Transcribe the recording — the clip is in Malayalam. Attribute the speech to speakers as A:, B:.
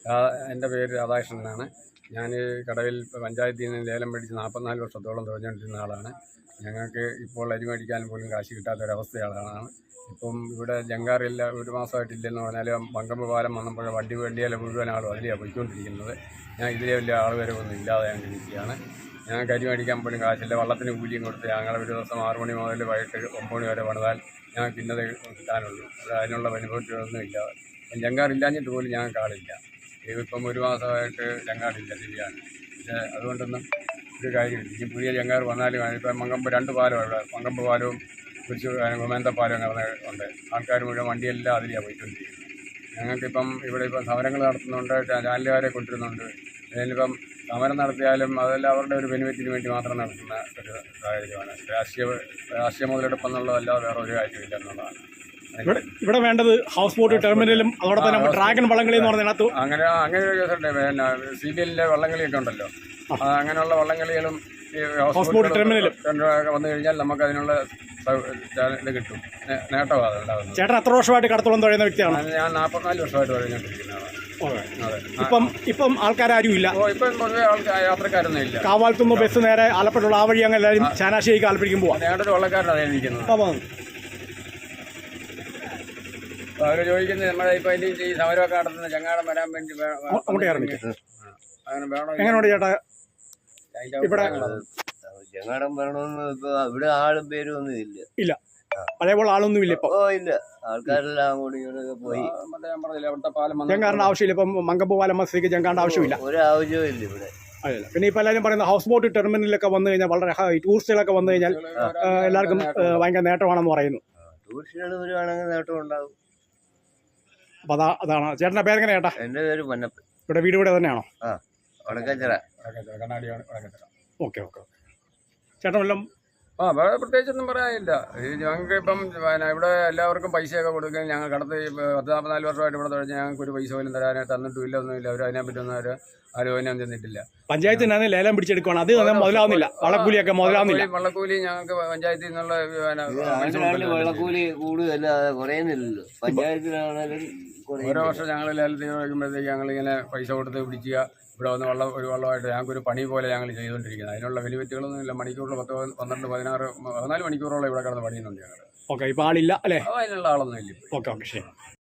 A: എൻ്റെ പേര് രാധാകൃഷ്ണൻ എന്നാണ്. ഞാൻ കടവിൽ പഞ്ചായത്തിൽ നിന്ന് ലേലം മേടിച്ച് 44 വർഷത്തോളം തുഴഞ്ഞുകൊണ്ടിരുന്ന ആളാണ്. ഞങ്ങൾക്ക് ഇപ്പോൾ അരി മേടിക്കാൻ പോലും കാശ് കിട്ടാത്തൊരവസ്ഥയാണ്. ഇപ്പം ഇവിടെ ജങ്കാറില്ല, ഒരു മാസമായിട്ടില്ലെന്ന് പറഞ്ഞാലും മങ്കമ്പ് പാലം വന്നപ്പോൾ വണ്ടിയിലെ മുഴുവൻ ആളും അതിലെയാണ് പോയിക്കൊണ്ടിരിക്കുന്നത്. ഞാൻ ഇതിലെ വലിയ ആൾ വരവൊന്നും ഇല്ലാതെ ഞങ്ങൾ ഇരിക്കുകയാണ്. ഞങ്ങൾക്ക് അരി മേടിക്കാൻ പോലും കാശില്ല. വള്ളത്തിന് കൂലിയും കൊടുത്ത് ഞങ്ങൾ ഒരു ദിവസം 6 മണി മുതൽ വൈകിട്ട് 9 മണി വരെ പണിതാൽ ഞങ്ങൾക്ക് ഇന്നത് കിട്ടാനുള്ളൂ. അതിനുള്ള ബെനിഫിറ്റൊന്നും ഇല്ല. ജങ്കാറില്ലാഞ്ഞിട്ട് പോലും ഞങ്ങൾക്ക് ആളില്ല. ഇതിപ്പം ഒരു മാസമായിട്ട് ജങ്കാറില്ല, ശരിയാണ്. പക്ഷേ അതുകൊണ്ടൊന്നും ഒരു കാര്യമില്ല. ഇനി പുതിയ ജങ്കാർ വന്നാലും ഇപ്പം മങ്കമ്പ് 2 പാലമാണ്. മങ്കമ്പ് പാലവും ഗോമേന്തപ്പാലവും അങ്ങനെ ഉണ്ട്. ആൾക്കാർ മുഴുവൻ വണ്ടിയെല്ലാം അതിലെയാണ് പോയിക്കൊണ്ടിരിക്കുന്നത്. ഞങ്ങൾക്കിപ്പം ഇവിടെ ഇപ്പം സമരങ്ങൾ നടത്തുന്നുണ്ട്, ചാനലുകാരെ കൊണ്ടുവരുന്നുണ്ട്. അതിലിപ്പം സമരം നടത്തിയാലും അതെല്ലാം അവരുടെ ഒരു ബെനിഫിറ്റിന് വേണ്ടി മാത്രം നടത്തുന്ന ഒരു സാഹചര്യമാണ്. രാഷ്ട്രീയ മുതലെടുപ്പ് എന്നുള്ളതല്ലാതെ വേറെ ഒരു കാര്യമില്ല എന്നുള്ളതാണ്.
B: ഇവിടെ വേണ്ടത് ഹൗസ് ബോട്ട് ടെർമിനലും അതോടൊപ്പം തന്നെ ഡ്രാഗൺ വള്ളംകളി എന്ന് പറഞ്ഞതിനകത്ത്
A: അങ്ങനെ ഒരു കേസുണ്ട്. പിന്നെ CBLന്റെ വള്ളംകളിയൊക്കെ ഉണ്ടല്ലോ, അങ്ങനെയുള്ള വള്ളംകളികളും ഈ ഹൗസ് ബോട്ട് ടെർമിനലും വന്നു കഴിഞ്ഞാൽ നമുക്ക് അതിനുള്ള ഇത് കിട്ടും, നേട്ടമാണ് ഉണ്ടാകുന്നത്.
B: ചേട്ടൻ എത്ര വർഷമായിട്ട് കടത്തോളം തുഴയുന്ന വ്യക്തിയാണ്?
A: ഞാൻ 44 വർഷമായിട്ട് തുഴഞ്ഞുകൊണ്ടിരിക്കുന്നതാണ്.
B: ഇപ്പം ആൾക്കാരും ഇല്ല.
A: ഇപ്പം പൊതുവെ യാത്രക്കാരൊന്നും ഇല്ല.
B: കാവാലത്തുനിന്ന് ബസ് നേരെ ആലപ്പുഴയുള്ള ആ വഴി അങ്ങനെ എല്ലാവരും ചാനാശ്ശേരിക്ക് ആലപ്പുഴയ്ക്കും പോവാം.
A: ഞങ്ങളുടെ വള്ളക്കാരനാണ് ഇരിക്കുന്നത്. അവർ ചോദിക്കുന്നത് നമ്മുടെ ഇപ്പം ഈ സമരമൊക്കെ നടത്തുന്ന ചങ്ങാടം വരാൻ വേണ്ടി അങ്ങനെ വേണോ?
B: എങ്ങനെയുണ്ട് ചേട്ടാ ഇവിടെ
C: ചങ്ങാടം വരണമെന്ന് ഇപ്പൊ ഇവിടെ ആളും പേരും ഒന്നും
B: ഇല്ല? അതേപോലെ ആളൊന്നും ഇല്ല ഇപ്പൊ.
C: ഇല്ല, ആൾക്കാരെല്ലാം അങ്ങോട്ടും ഇങ്ങോട്ടൊക്കെ പോയി.
B: ജങ്കാറിന്റെ ആവശ്യമില്ല. ഇപ്പം മങ്കമ്പ് പാലം മസ്തിക്ക് ജങ്കാറിന്റെ ആവശ്യമില്ല,
C: ഒരു ആവശ്യവും ഇല്ല ഇവിടെ.
B: അല്ല, പിന്നെ ഇപ്പൊ എല്ലാവരും പറയുന്നത് ഹൗസ് ബോട്ട് ടെർമിനലൊക്കെ വന്നു കഴിഞ്ഞാൽ വളരെ ടൂറിസ്റ്റുകളൊക്കെ വന്നു കഴിഞ്ഞാൽ എല്ലാവർക്കും ഭയങ്കര നേട്ടമാണെന്ന് പറയുന്നു.
C: ടൂറിസ്റ്റുകൾ വരുവാണെങ്കിൽ നേട്ടം ഉണ്ടാവും.
B: അപ്പൊ അതാണ്. ചേട്ടന്റെ പേരെങ്ങനെ ചേട്ടാ?
C: എന്റെ പേര് പൊന്നപ്പൻ.
B: ഇവിടെ വീട് ഇവിടെ തന്നെയാണോ?
C: വടക്കച്ചിറ.
B: ഓക്കെ. ചേട്ടൻ വല്ലതും
A: വേറെ പ്രത്യേകിച്ചൊന്നും പറയാനില്ല. ഞങ്ങൾക്ക് ഇപ്പം ഇവിടെ എല്ലാവർക്കും പൈസയൊക്കെ കൊടുക്കാൻ ഞങ്ങൾ കടത്ത് 44 വർഷമായിട്ട് ഇവിടെ തുഴഞ്ഞ് ഞങ്ങൾക്ക് ഒരു പൈസ പോലും തന്നിട്ടുമില്ല, ഒന്നുമില്ല. അവർ അതിനെപ്പറ്റൊന്നും ആലോചന ചെന്നിട്ടില്ല.
B: പഞ്ചായത്തിന് ലേലം പിടിച്ചെടുക്കുകയാണ്, അത് മുതലാവുന്നില്ല. വള്ളക്കൂലിയൊക്കെ മുതലാവുന്നില്ല.
A: വള്ളക്കൂലി ഞങ്ങൾക്ക് പഞ്ചായത്തിൽ നിന്നുള്ള
C: വള്ളക്കൂലി കൂടുതൽ കുറയുന്നില്ലല്ലോ. പഞ്ചായത്തിലാണെങ്കിലും
A: ഓരോ വർഷം ഞങ്ങൾ ലേലത്തിൽ വയ്ക്കുമ്പോഴത്തേക്ക് ഞങ്ങളിങ്ങനെ പൈസ കൊടുത്ത് പിടിക്കുക. ഇവിടെ വന്ന് ഒരു വള്ളമായിട്ട് ഞങ്ങൾക്കൊരു പണി പോലെ ഞങ്ങൾ ചെയ്തുകൊണ്ടിരിക്കുന്നത്. അതിനുള്ള ബെനിഫിറ്റുകളൊന്നും ഇല്ല. മണിക്കൂറിൽ 10, 12, 14 മണിക്കൂറോളം ഇവിടെ കിടന്ന് പണിയുന്നുണ്ട് ഞങ്ങൾ.
B: ഓക്കെ, ഇപ്പോൾ ആളില്ല അല്ലേ?
A: അതിനുള്ള ആളൊന്നും ഇല്ല.
B: ഓക്കെ, ശരി.